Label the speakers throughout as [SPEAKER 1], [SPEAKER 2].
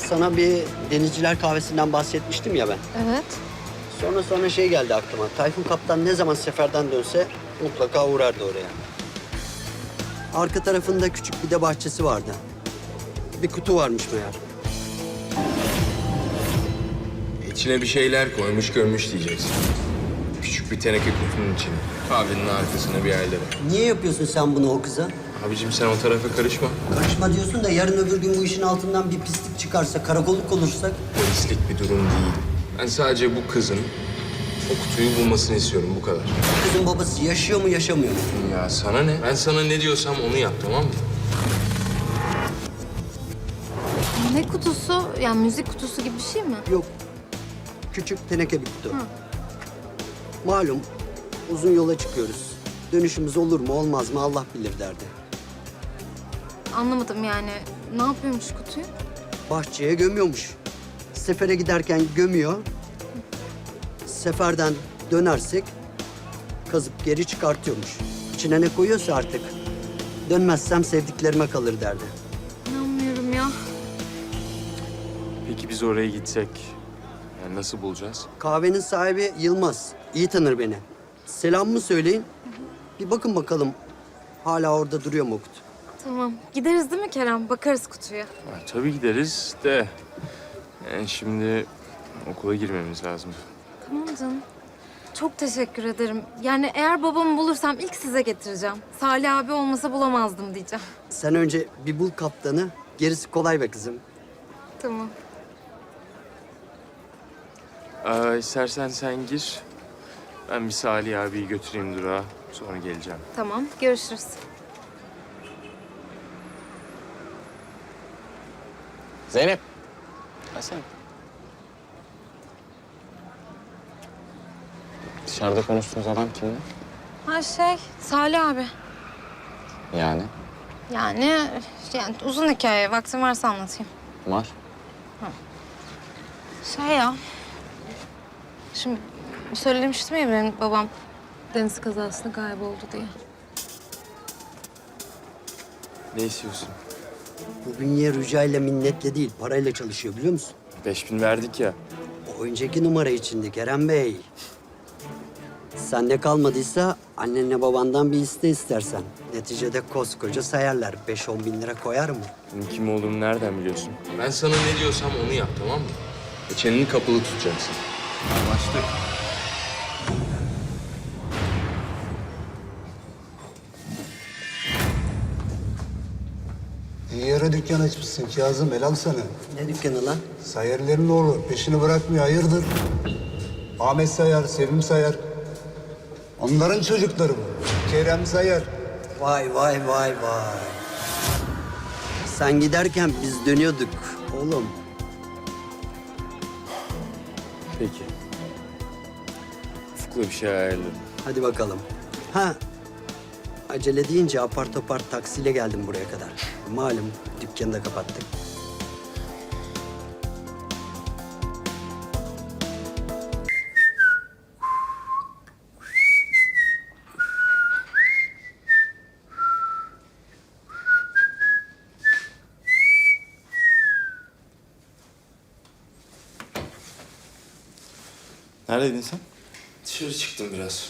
[SPEAKER 1] Sana bir denizciler kahvesinden bahsetmiştim ya ben.
[SPEAKER 2] Evet.
[SPEAKER 1] Sonra şey geldi aklıma. Tayfun Kaptan ne zaman seferden dönse mutlaka uğrardı oraya. Arka tarafında küçük bir de bahçesi vardı. Bir kutu varmış meğer.
[SPEAKER 3] İçine bir şeyler koymuş görmüş diyeceksin. Küçük bir teneke kutunun içine. Kahvenin arkasına bir yerlere.
[SPEAKER 1] Niye yapıyorsun sen bunu o kıza?
[SPEAKER 3] Abicim sen o tarafa karışma.
[SPEAKER 1] Karışma diyorsun da yarın öbür gün bu işin altından bir pislik çıkarsa, karakolluk olursak...
[SPEAKER 3] Polislik bir durum değil. Ben sadece bu kızın o kutuyu bulmasını istiyorum, bu kadar.
[SPEAKER 1] Kızın babası yaşıyor mu, yaşamıyor mu?
[SPEAKER 3] Ya sana ne? Ben sana ne diyorsam onu yap, tamam mı?
[SPEAKER 2] Ne kutusu? Yani müzik kutusu gibi bir şey mi?
[SPEAKER 1] Yok. Küçük teneke bir kutu. Malum uzun yola çıkıyoruz. Dönüşümüz olur mu olmaz mı Allah bilir derdi.
[SPEAKER 2] Anlamadım yani. Ne yapıyormuş kutuyu?
[SPEAKER 1] Bahçeye gömüyormuş. Sefere giderken gömüyor. Seferden dönersek kazıp geri çıkartıyormuş. İçine ne koyuyorsa artık. Dönmezsem sevdiklerime kalır derdi.
[SPEAKER 2] İnanmıyorum ya.
[SPEAKER 3] Peki biz oraya gitsek, yani nasıl bulacağız?
[SPEAKER 1] Kahvenin sahibi Yılmaz. İyi tanır beni. Selamımı söyleyin. Bir bakın bakalım hala orada duruyor mu o kutu?
[SPEAKER 2] Tamam. Gideriz değil mi Kerem? Bakarız kutuya.
[SPEAKER 3] Ya, tabii gideriz de... Yani şimdi okula girmemiz lazım.
[SPEAKER 2] Tamam canım. Çok teşekkür ederim. Yani eğer babamı bulursam ilk size getireceğim. Salih abi olmasa bulamazdım diyeceğim.
[SPEAKER 1] Sen önce bir bul kaptanı. Gerisi kolay be kızım.
[SPEAKER 2] Tamam.
[SPEAKER 3] İstersen sen gir. Ben bir Salih abiyi götüreyim durağa. Sonra geleceğim.
[SPEAKER 2] Tamam. Görüşürüz.
[SPEAKER 4] Zeynep. Gelsene. Dışarıda konuştuğunuz adam kimdi?
[SPEAKER 2] Ha Salih abi.
[SPEAKER 4] Yani?
[SPEAKER 2] Yani uzun hikaye. Vaktin varsa anlatayım.
[SPEAKER 4] Var.
[SPEAKER 2] Ya. Şimdi söylemiştim ya benim babam deniz kazasında kayboldu diye.
[SPEAKER 3] Ne istiyorsun?
[SPEAKER 1] Bu bünye rücayla minnetle değil, parayla çalışıyor biliyor musun?
[SPEAKER 3] 5000 verdik ya.
[SPEAKER 1] O önceki numara içindi Kerem Bey. Sende kalmadıysa annenle babandan bir iste istersen. Neticede koskoca sayarlar. 5-10 bin lira koyar mı?
[SPEAKER 3] Benim kim olduğumu nereden biliyorsun? Ben sana ne diyorsam onu yap, tamam mı? Çeneni kapalı tutacaksın. Anlaştık.
[SPEAKER 5] İyi yere dükkan açmışsın Kazım, helal sana.
[SPEAKER 1] Ne dükkanı lan?
[SPEAKER 5] Sayarlerin oğlu, peşini bırakmıyor, hayırdır? Ahmet Sayar, Sevim Sayar. Onların çocukları bu. Kerem Sayar.
[SPEAKER 1] Vay. Sen giderken biz dönüyorduk oğlum.
[SPEAKER 3] Peki. Ufuk'la bir şey ayarladım.
[SPEAKER 1] Hadi bakalım. Ha, acele deyince apar topar taksiyle geldim buraya kadar. Malum dükkanı da kapattık.
[SPEAKER 6] Neredeydin sen?
[SPEAKER 3] Dışarı çıktım biraz.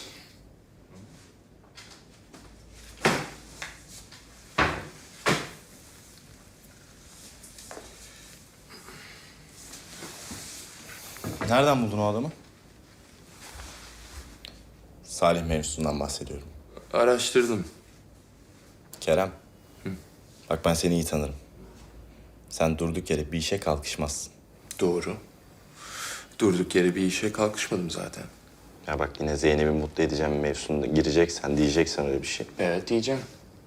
[SPEAKER 6] Nereden buldun o adamı? Salih mevzusundan bahsediyorum.
[SPEAKER 3] Araştırdım.
[SPEAKER 6] Kerem. Bak ben seni iyi tanırım. Sen durduk yere bir işe kalkışmazsın.
[SPEAKER 3] Doğru. Durduk yere bir işe kalkışmadım zaten.
[SPEAKER 6] Ya bak yine Zeynep'i mutlu edeceğim mevzusunda gireceksen, diyeceksen öyle bir şey.
[SPEAKER 3] Evet diyeceğim.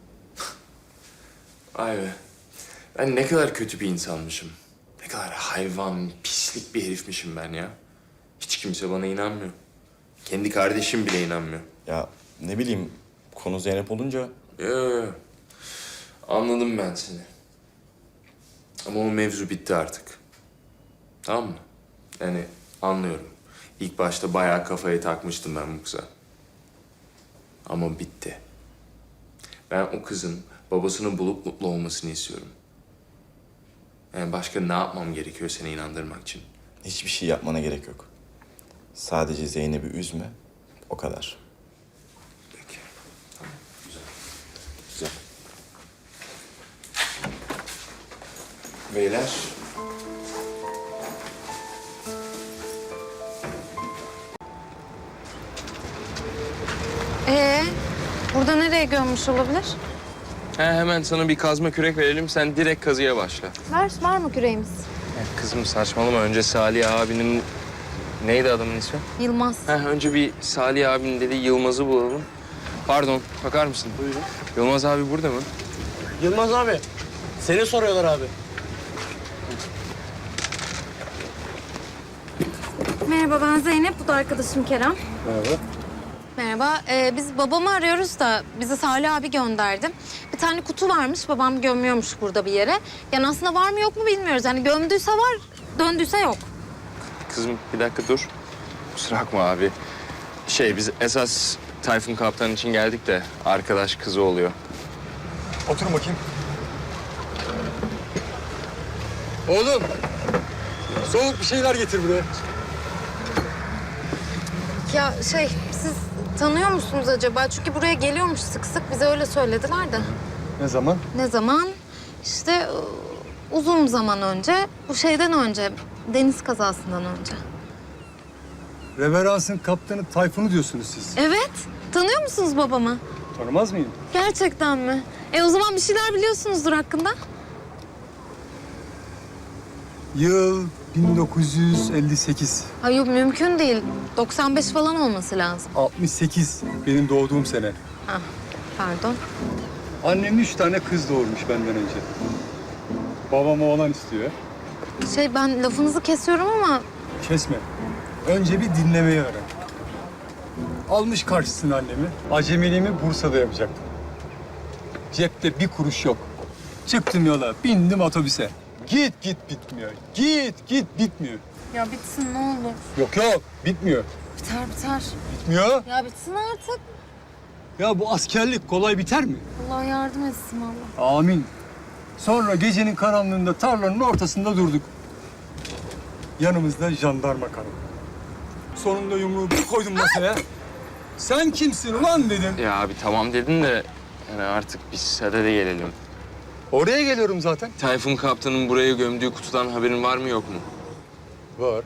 [SPEAKER 3] Vay be. Ben ne kadar kötü bir insanmışım. Ne kadar hayvan, pislik bir herifmişim ben ya. Hiç kimse bana inanmıyor. Kendi kardeşim bile inanmıyor.
[SPEAKER 6] Ya ne bileyim konu Zeynep olunca
[SPEAKER 3] Yo. Anladım ben seni. Ama o mevzu bitti artık. Tamam mı? Yani anlıyorum. İlk başta bayağı kafayı takmıştım ben bu kıza. Ama bitti. Ben o kızın babasını bulup mutlu olmasını istiyorum. Yani başka ne yapmam gerekiyor seni inandırmak için?
[SPEAKER 6] Hiçbir şey yapmana gerek yok. Sadece Zeynep'i üzme, o kadar.
[SPEAKER 3] Peki. Tamam. Güzel. Güzel. Beyler.
[SPEAKER 2] Burada nereye gömmüş olabilir?
[SPEAKER 7] Hemen sana bir kazma kürek verelim. Sen direkt kazıya başla.
[SPEAKER 2] Var mı küreğimiz?
[SPEAKER 7] Kızım saçmalama. Önce Salih abinin... Neydi adamın ismi?
[SPEAKER 2] Yılmaz.
[SPEAKER 7] Önce bir Salih abinin dediği Yılmaz'ı bulalım. Pardon, bakar mısın? Buyurun. Yılmaz abi burada mı?
[SPEAKER 8] Yılmaz abi, seni soruyorlar abi.
[SPEAKER 2] Merhaba, ben Zeynep. Bu da arkadaşım Kerem. Merhaba. Merhaba. Biz babamı arıyoruz da bizi Salih abi gönderdi. Bir tane kutu varmış, babam gömüyormuş burada bir yere. Yani aslında var mı yok mu bilmiyoruz. Yani gömdüyse var, döndüyse yok.
[SPEAKER 7] Kızım bir dakika dur. Kusura bakma abi. Biz esas Tayfun Kaptan için geldik de arkadaş kızı oluyor.
[SPEAKER 5] Oturun bakayım. Oğlum, soğuk bir şeyler getir buraya.
[SPEAKER 2] Ya siz tanıyor musunuz acaba? Çünkü buraya geliyormuş sık sık. Bize öyle söylediler de.
[SPEAKER 5] Ne zaman?
[SPEAKER 2] Ne zaman? İşte uzun zaman önce. Bu şeyden önce. Deniz kazasından önce.
[SPEAKER 5] Reverans'ın kaptanı Tayfun'u diyorsunuz siz.
[SPEAKER 2] Evet. Tanıyor musunuz babamı?
[SPEAKER 5] Tanımaz mıyım?
[SPEAKER 2] Gerçekten mi? O zaman bir şeyler biliyorsunuzdur hakkında.
[SPEAKER 5] Yıl 1958.
[SPEAKER 2] Ay yok, mümkün değil. 95 falan olması lazım.
[SPEAKER 5] 68 benim doğduğum sene.
[SPEAKER 2] Hah, pardon.
[SPEAKER 5] Annem 3 tane kız doğurmuş benden önce. Babam oğlan istiyor.
[SPEAKER 2] Ben lafınızı kesiyorum ama
[SPEAKER 5] Kesme. Önce bir dinlemeyi öğren. Almış karşısına annemi. Acemiliğimi Bursa'da yapacaktım. Cepte bir kuruş yok. Çıktım yola, bindim otobüse. Git bitmiyor. Git bitmiyor.
[SPEAKER 2] ya bitsin ne olur.
[SPEAKER 5] Yok bitmiyor.
[SPEAKER 2] Biter.
[SPEAKER 5] Bitmiyor.
[SPEAKER 2] Ya bitsin artık.
[SPEAKER 5] Ya bu askerlik kolay biter mi?
[SPEAKER 2] Allah yardım etsin Allah.
[SPEAKER 5] Amin. Sonra gecenin karanlığında tarlanın ortasında durduk. Yanımızda jandarma karı. Sonunda yumruğu bir koydum masaya. Sen kimsin ulan dedim.
[SPEAKER 7] Ya abi tamam dedin de yani artık biz sadede gelelim.
[SPEAKER 5] Oraya geliyorum zaten.
[SPEAKER 7] Tayfun Kaptan'ın buraya gömdüğü kutudan haberin var mı yok mu?
[SPEAKER 5] Var.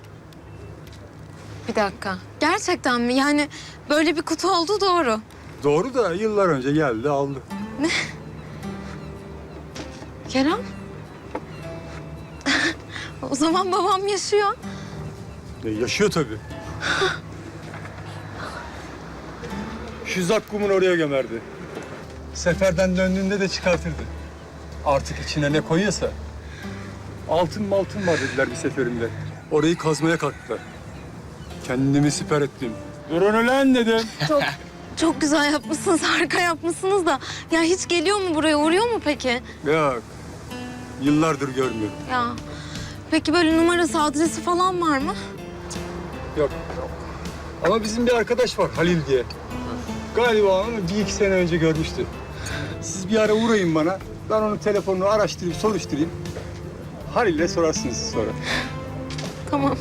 [SPEAKER 2] Bir dakika. Gerçekten mi? Yani böyle bir kutu olduğu doğru.
[SPEAKER 5] Doğru da yıllar önce geldi aldı.
[SPEAKER 2] Kerem? O zaman babam yaşıyor.
[SPEAKER 5] Yaşıyor tabii. Şu zakkumun oraya gömerdi. Seferden döndüğünde de çıkartırdı. Artık içine ne koyuyorsa. Altın var dediler bir seferinde. Orayı kazmaya kalktılar. Kendimi siper ettim. Durun ulan dedim.
[SPEAKER 2] Çok güzel yapmışsınız, harika yapmışsınız da. Ya hiç geliyor mu buraya, uğruyor mu peki?
[SPEAKER 5] Yok. Yıllardır görmüyorum.
[SPEAKER 2] Ya peki böyle numarası, adresi falan var mı?
[SPEAKER 5] Yok. Ama bizim bir arkadaş var Halil diye. Galiba onu 1-2 sene önce görmüştü. Siz bir ara uğrayın bana. Ben onun telefonunu araştırayım, soruşturayım. Halil'le sorarsınız sonra.
[SPEAKER 2] Tamam.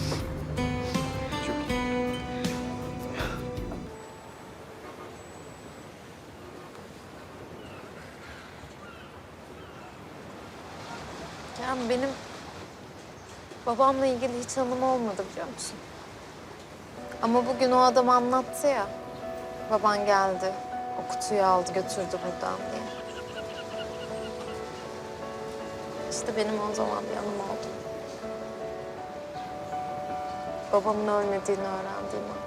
[SPEAKER 2] Kerem, benim babamla ilgili hiç anım olmadı biliyor musun? Ama bugün o adam anlattı ya. Baban geldi, o kutuyu aldı götürdü buradan diye. İşte benim o zaman bir anım oldu. Babamın ölmediğini öğrendiğim an.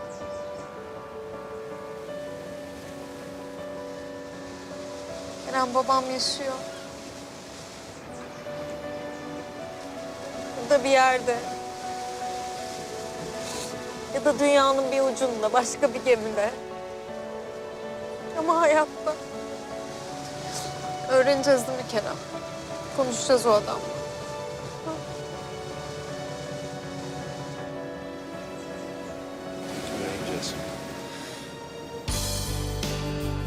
[SPEAKER 2] Kerem, babam yaşıyor. Burada bir yerde. Ya da dünyanın bir ucunda, başka bir gemide. Ama hayatta. Öğreneceğiz değil mi Kerem? Konuşacağız o adamla.
[SPEAKER 3] Öğreneceğiz.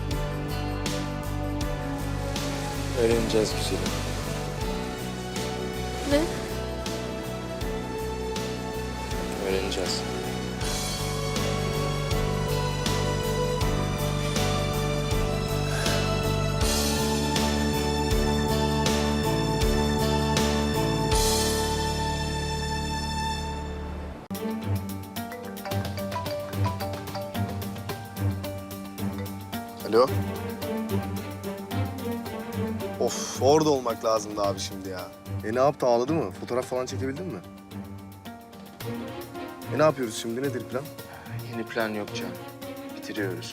[SPEAKER 3] Öğreneceğiz güzelim.
[SPEAKER 2] Ne?
[SPEAKER 3] Öğreneceğiz.
[SPEAKER 9] Alo. Of, orada olmak lazımdı abi şimdi ya. Ne yaptı, ağladı mı? Fotoğraf falan çekebildin mi? Ne yapıyoruz şimdi, nedir plan?
[SPEAKER 7] Yeni plan yok Can. Bitiriyoruz.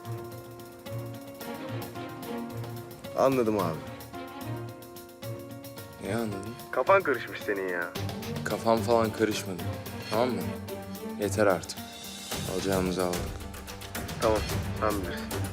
[SPEAKER 9] Anladım abi.
[SPEAKER 3] Ne anladın?
[SPEAKER 9] Kafan karışmış senin ya.
[SPEAKER 3] Kafam falan karışmadı. Tamam mı? Yeter artık. Alacağımızı aldık.
[SPEAKER 9] Tamam, sen bilirsin.